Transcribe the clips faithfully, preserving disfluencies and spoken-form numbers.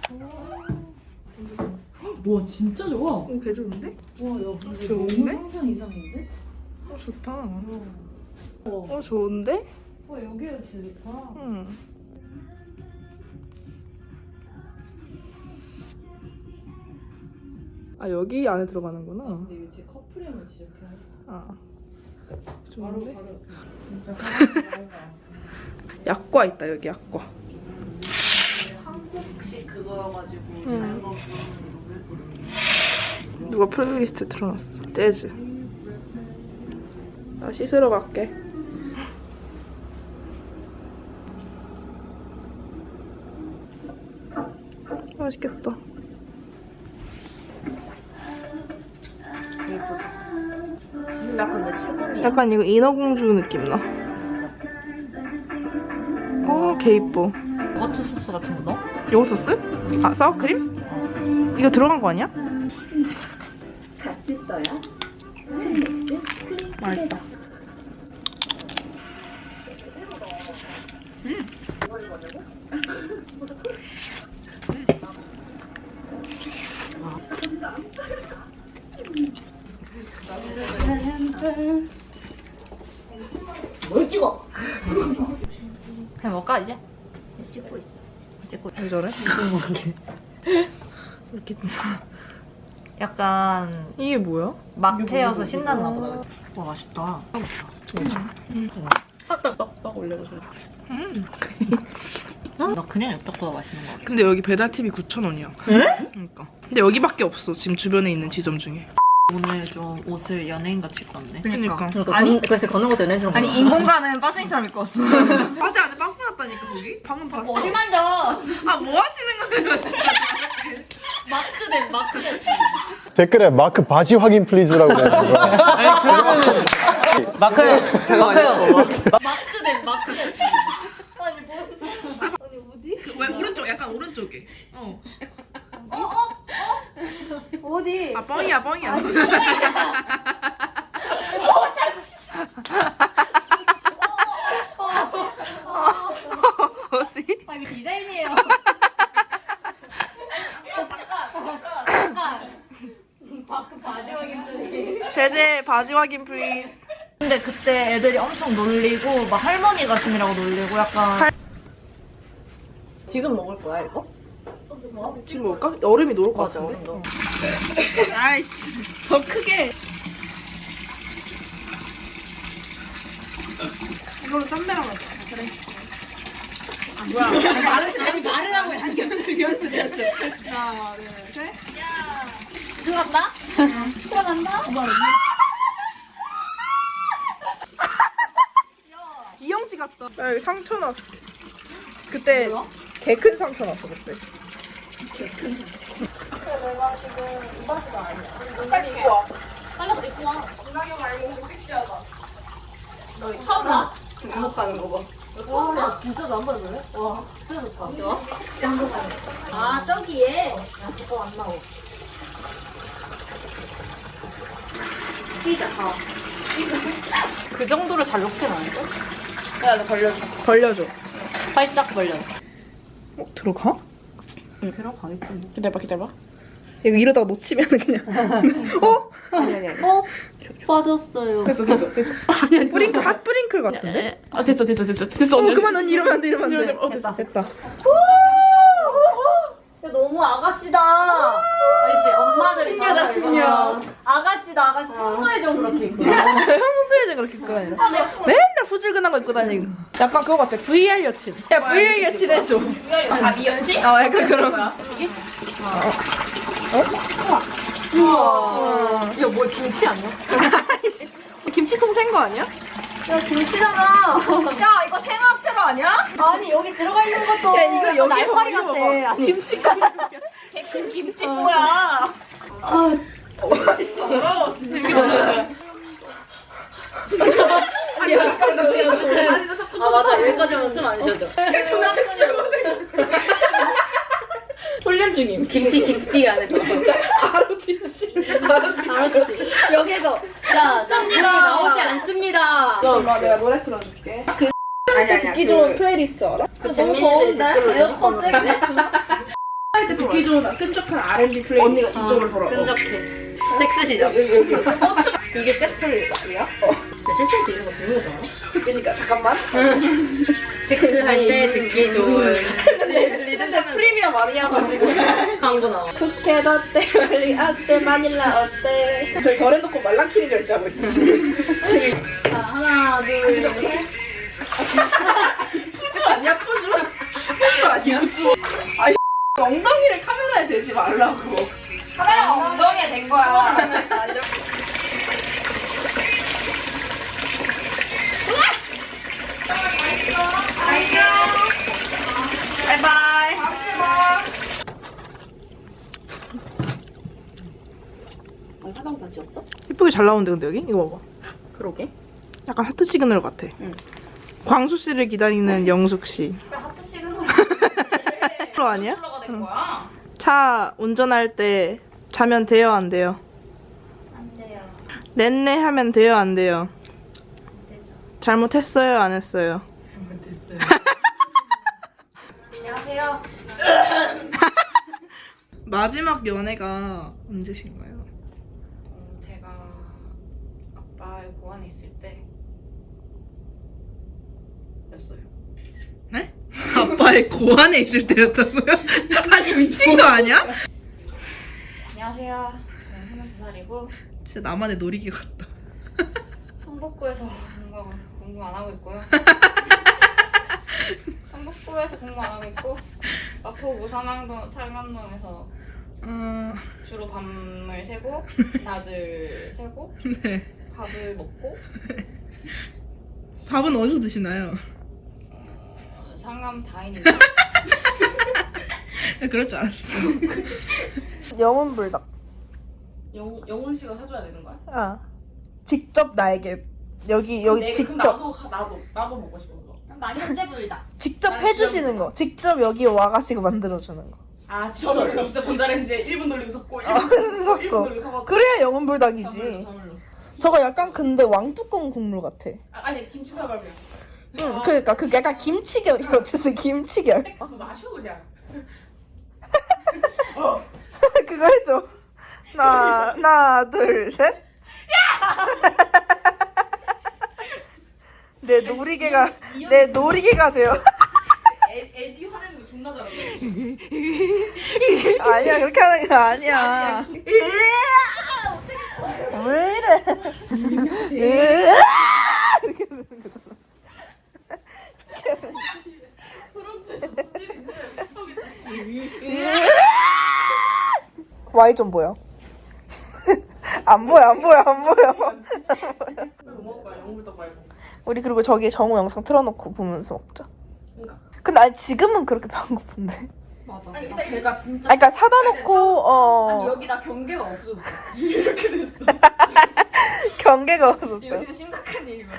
와 진짜 좋아. 오, 개 좋은데? 와 야 근데 좋은데? 너무 상상 이상인데? 어, 좋다. 어. 어, 좋은데? 와 여기가 진짜 좋다. 응. 아, 여기 안에 들어가는구나. 근데 이거 진짜 커플이면 진짜 그냥 아. 바로 좋은데? 바로 진짜 바로 약과 있다, 여기 약과. 한국식 그거여가지고 응. 잘 먹는 누가 플레이리스트 틀어놨어. 재즈. 나 씻으러 갈게. 맛있겠다. 진짜 근데 추금이 약간 이거 인어공주 느낌 나. 어, 개 이뻐. 요거트 소스 같은 거 넣어? 요거 소스? 아, 사워크림? 이거 들어간 거 아니야? 같이 써요. 맛있다. 뭘 찍어? 그냥 먹까 이제? 찍고 있어. 찍고 왜 저래? 이렇게 약간 이게 뭐야? 막 태워서 신났나 보다. 와 맛있다. 살짝 떡떡 올려줘서. 음. 나 그냥 엽떡보다 맛있는 거 같아. 근데 여기 배달팁이 구천 원이야. 에? 그러니까. 근데 여기밖에 없어. 지금 주변에 있는 지점 중에. 오늘 좀 옷을 연예인같이 입고 왔네. 그러니까. 아니 그래서 걷는 것도 연애처럼. 아니 인공가는 빠생이처럼 입고 왔어. 바지 안에 빵꾸 났다니까 거기? 방금 봤어. 어디 만져? 아, 뭐 하시는 거예요? 마크된 마크된. 댓글에 마크 바지 확인 플리즈라고 해가지고 마크요. 잠깐만요. 마크된 마크된. 아니 뭐? 왜 오른쪽? 약간 오른쪽에. 어. 어디? 아, 뻥이야, 뻥이야. 어디? 아 이거 디자인이에요. 잠깐. 밖에 바지 확인들이. 제제 바지 확인 플리즈. 근데 그때 애들이 엄청 놀리고 막 할머니 같으라고 놀리고 약간. 지금 먹을 거야 이거? 지금 먹을까? 얼음이 녹을 것 맞아, 같은데? 얼음 아이씨, 더 크게. 이걸로 짬매랑 하자. 그래. 아, 뭐야. 아니, 말을, 아니, 말을 하고 해. 아니, 연습, 연습, 연습. 하나, 둘, 셋. 들어간다? 들어간다. 이영지 같다. 야, 여기 상처 났어. 그때 개 큰 상처 났어, 그때. 빨리 입고 와. 빨리 입고 와. 이상형 알고 오고 섹시하다. 너 처음 봐? 행복하는 거 봐. 와, 나 진짜 안 봐볼래? 와, 진짜 좋다. 아 저기에. 이거 안 나오. 피자. 어. 그 정도로 잘 녹진 않을까? 야, 너 걸려줘. 벌려줘. 활짝 벌려. 어, 들어가? 응, 들어가겠지. 기다려봐, 기다려봐. 이거 이러다가 놓치면 그냥. 어? 아니 아니. 어? 빠졌어요. 됐어, 됐어, 됐어. 아니, 아니. 뿌링클, 핫 뿌링클 같은데? 아, 됐어, 됐어, 됐어. 됐어. 어, 그만, 언니 이러면 안 돼, 이러면 안 돼. 어, 됐다, 됐다. 야, 너무 아가씨다. 알지? 엄마들이 신녀다, 신녀. 아가씨다, 아가씨. 평소에 좀 그렇게 입고. 평소에 좀 그렇게 입고 다니는. 맨날 후줄근한 거 입고 다니고. 약간 그거 같아. 브이알 여친. 야, 브이알 여친 해줘. 아, 미연씨? 어, 약간 그런. 거. 우와. 이거 뭐 김치 아니야? 김치통 생거 아니야? 야, 김치잖아. 야, 이거 생학태로 아니야? 아니 여기 들어가 있는 것도. 야, 이거 여기 날파리 봐봐, 같아. 이거 봐봐. 아니. 김치가. 그 김치 뭐야? 아. 아, 맞아. 여기까지 오면 숨 안 쉬어져. 훈련 중임. 김치 김치찌개 안에서. 아로티씨. 알았지. 여기에서 자나 물이 나오지 않습니다. 엄마 내가 노래 틀어줄게. 그 아니 아니. 듣기 좋은 플레이리스트 알아? 그 잼민이들이 댓글로 에어컨 쬐게. 할 때 듣기 좋은 끈적한 알앤비 플레이. 언니가 이쪽을 보라고. 끈적해. 섹스시죠? 이게 세트야? 섹스 되는 거 좋은 거잖아. 그러니까 잠깐만. 섹스할 때 듣기 좋은 리듬데 프리미엄 아니야가지고. 광고 나와. 푸켓 어때? 멀리 어때? 마닐라 어때? 저래 놓고 말랑키리 결제하고 있어 지금. 지금. 자, 하나, 둘, 셋. 푸주 아니야 푸주? 푸주 아니야? 푸주. 아니 엉덩이를 카메라에 대지 말라고. 카메라가 엉덩이에 댄 거야. 바이바이. 화장 다 지웠어? 이쁘게 잘 나오는데 근데 여기? 이거 봐봐. 그러게. 약간 하트 시그널 같아. 응. 광수 씨를 기다리는 영숙 씨. 하트 시그널 프로 아니야? 가 된 거야? 차 운전할 때 자면 돼요 안 돼요? 안 돼요. 렌네 하면 돼요 안 돼요? 안 되죠. 잘못했어요 안 했어요? 안녕하세요. 마지막 연애가 언제신가요? 음, 제가 아빠의 고안에 있을 때 였어요. 네? 아빠의 고안에 있을 때였다고요? 아니 미친 거 아니야? 안녕하세요. 저는 스물두 살이고 진짜 나만의 놀이기 같다. 성북구에서 공부, 공부 안 하고 있고요. 성북구에서 공부 안 하고 있고 마포구 삼양동, 삼양동에서 어... 주로 밤을 새고 낮을 새고 네. 밥을 먹고 밥은 어디서 드시나요? 어, 상암 다인입니다. 그럴 줄 알았어. 영혼 불닭. 영, 영훈 씨가 사줘야 되는 거야? 아. 직접 나에게 여기 여기 내, 직접 그럼 나도 나도 나도 먹고 싶어 그거. 나 현재 불다. 직접 난 해주시는 진짜 거. 직접 여기 와가지고 만들어주는 거. 아 진짜 진짜 전자레인지에 일 분 돌리고 섞고 일 분, 아, 일 분 섞어. 돌리고 섞어서 그래야 영혼 저물로 불닭이지. 저물로. 저거 약간 근데 왕뚜껑 국물 같아. 아, 아니 김치 사발이야. 응, 그러니까 그 약간 김치결이 어쨌든 김치결. 그거 마셔 그냥. 그거 해줘. 하나, 하나, 둘, 셋. 내 놀이개가 내 놀이개가 되어. 에, 에디 화내는 거 존나 잘하네. 아니야 그렇게 하는 거 아니야. 왜 이래? 이렇게 되는 거잖아. 프론트에서 스피드인데 미쳐겠다. Y 좀 보여. 안 보여 안 보여 안 보여. 뭐 먹을 거야 영물떡 말고. 우리 그리고 저기 정우 영상 틀어놓고 보면서 먹자. 그러니까. 근데 아니 지금은 그렇게 배고픈데. 맞아. 아니 일단 배가 진짜. 아니, 그러니까 사다 놓고 어 아니 여기 나 경계가 없어졌어. 경계가 없었어. 이거 진짜 심각한 일이야.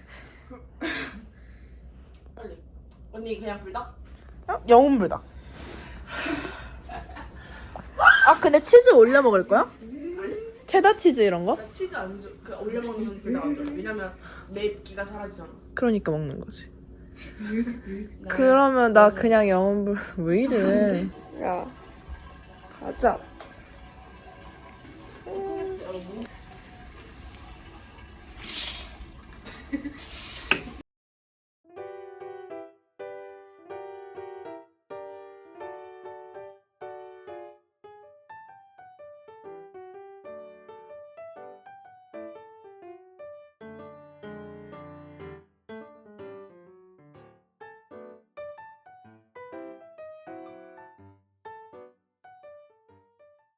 빨리. 언니 그냥 불닭? 어? 영혼불닭. 아 근데 치즈 올려 먹을 거야? 체다 치즈 이런 거? 나 치즈 안 줘. 그 올려 먹는 불닭 안 줘. 왜냐면 맵기가 사라지잖아. 그러니까 먹는 거지. 그러면 나 그냥 영혼불닭 왜 이래? 야 가자. 생겼지 여러분.